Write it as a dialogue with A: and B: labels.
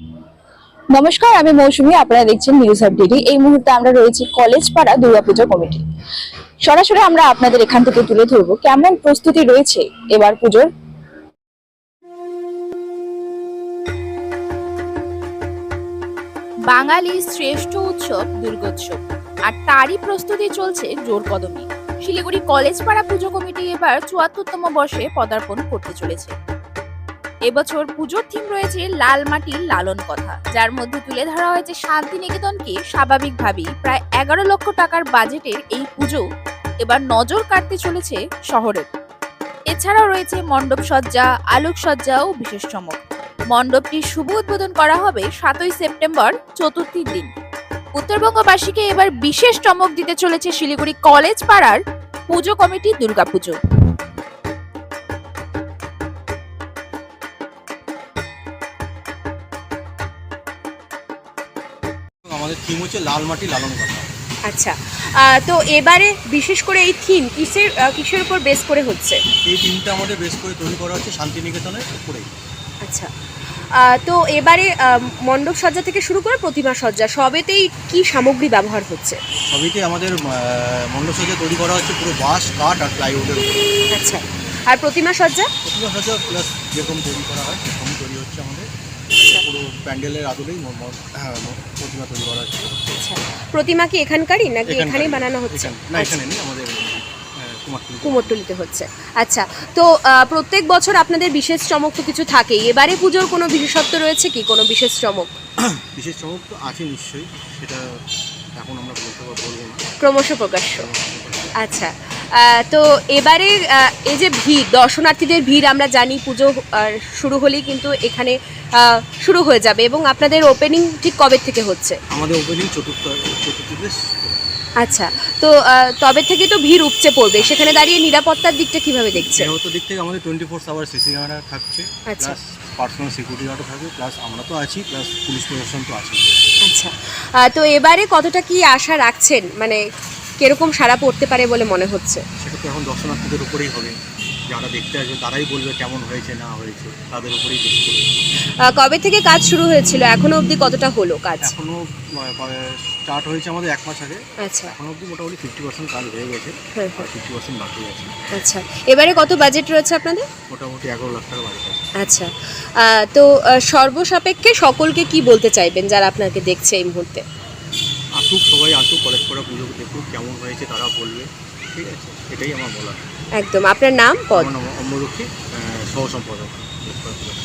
A: নমস্কার, আমি মৌসুমী। আপনারা দেখছেন নিউজ আপডেট। এই মুহূর্তে আমরা রয়েছি কলেজ পাড়া দুর্গাপুজো কমিটি। সরাসরি আমরা আপনাদের এখান থেকে তুলে ধরবো কেমন প্রস্তুতি রয়েছে এবার পুজোর।
B: বাঙালির শ্রেষ্ঠ উৎসব দুর্গোৎসব, আর তারই প্রস্তুতি চলছে জোর কদমে। শিলিগুড়ি কলেজ পাড়া পুজো কমিটি এবার ৭৪তম বর্ষে পদার্পণ করতে চলেছে। এবছর পুজোর থিম রয়েছে লাল মাটির লালন কথা, যার মধ্যে তুলে ধরা হয়েছে শান্তিনিকেতনকে। স্বাভাবিকভাবেই প্রায় ১১ লক্ষ টাকার বাজেটের এই পুজো এবার নজর কাটতে চলেছে শহরের। এছাড়াও রয়েছে মণ্ডপ সজ্জা, আলোকসজ্জা ও বিশেষ চমক। মণ্ডপটির শুভ উদ্বোধন করা হবে ৭ই সেপ্টেম্বর, চতুর্থীর দিন। উত্তরবঙ্গবাসীকে এবার বিশেষ চমক দিতে চলেছে শিলিগুড়ি কলেজ পাড়ার পুজো কমিটি দুর্গাপুজো।
C: আমাদের থিম হচ্ছে লাল মাটি লালন কথা।
D: আচ্ছা, তো এবারে বিশেষ করে এই থিম কিসের উপর বেস করে হচ্ছে?
C: এই থিমটা আমাদের বেশ করে তৈরি করা হচ্ছে শান্তিনিকেতনের উপরেই।
D: আচ্ছা, তো এবারে মণ্ডপ সজ্জা থেকে শুরু করে প্রতিমা সজ্জা সবেতেই কি সামগ্রী ব্যবহার হচ্ছে?
C: সবইতে আমাদের মণ্ডপ সজ্জা তৈরি করা হচ্ছে পুরো বাঁশ, কাঠ আর প্লাইউডের উপরে।
D: আচ্ছা, আর প্রতিমা সজ্জা?
C: প্রতিমা সজ্জা প্লাস যেরকম তৈরি করা হয় সেরকমই তৈরি হচ্ছে আমাদের। পুরো প্যান্ডেলের আদলেই প্রতিমা তৈরি করা হচ্ছে।
D: আচ্ছা, প্রতিমা কি এখানকারই নাকি এখানেই বানানো হচ্ছে?
C: না, এখানে নেই, আমাদের
D: কুমোরটুলিতে হচ্ছে। আচ্ছা, তো প্রত্যেক বছর আপনাদের বিশেষ চমক তো কিছু থাকেই, এবারে পুজোর কোনো বিশেষত্ব রয়েছে কি, কোনো বিশেষ চমক?
C: বিশেষ চমক তো আছে নিশ্চয়ই, সেটা এখন আমরা বলবো না,
D: ক্রমশ প্রকাশ্য। আচ্ছা, তো এবারে এই যে ভিড়, দর্শনার্থীদের ভিড় আমরা জানি পুজো শুরু হলেই কিন্তু এখানে শুরু হয়ে যাবে, এবং আপনাদের ওপেনিং ঠিক কবে থেকে হচ্ছে?
C: আমাদের ওপেনিং চতুর্থীতে।
D: আচ্ছা, তো তবে থেকে তো ভিড় উপচে পড়বে, সেখানে দাঁড়িয়ে নিরাপত্তার দিকটা কিভাবে দেখছেন?
C: নিরাপত্তার দিক থেকে আমাদের 24 সিসি ক্যামেরা থাকছে,
D: আচ্ছা,
C: প্লাস পার্সোনাল সিকিউরিটি গার্ডও থাকবে, প্লাস আমরা তো আছি, প্লাস পুলিশ প্রশাসন তো আছে।
D: আচ্ছা, তো এবারে কতটা কি আশা রাখছেন, মানে কিরকম সাড়া পড়তে পারে বলে মনে হচ্ছে?
C: সেটা তো এখন দর্শনার্থীদের উপরেই হবে, যারা দেখতে আসবে তারাই বলবে কেমন হয়েছে না হয়েছে, তাদের উপরেই বেশ করবে।
D: কবে থেকে কাজ শুরু হয়েছিল, এখনো অবধি কতটা হলো কাজ?
C: এখনও স্টার্ট হয়েছে আমাদের 1 মাস আগে।
D: আচ্ছা,
C: এখনও অবধি মোটামুটি 50% কাজ হয়ে গেছে,
D: হ্যাঁ,
C: আর 50% বাকি আছে।
D: আচ্ছা, এবারে কত বাজেট রয়েছে আপনাদের?
C: মোটামুটি 11 লাখ টাকা বাজেট আছে।
D: আচ্ছা, তো সর্বসাপেক্ষে সকলকে কি বলতে চাইবেন যারা আপনাকে দেখছে এই মুহূর্তে?
C: আসুক, সবাই আসুক, কলেজ পাড়া পুজো দেখুক, কেমন হয়েছে তারা বলবে, ঠিক আছে, এটাই আমার বলার।
D: একদম। আপনার নাম, পদ?
C: আমার নাম অম্বরক্ষী, সহ সম্পাদক।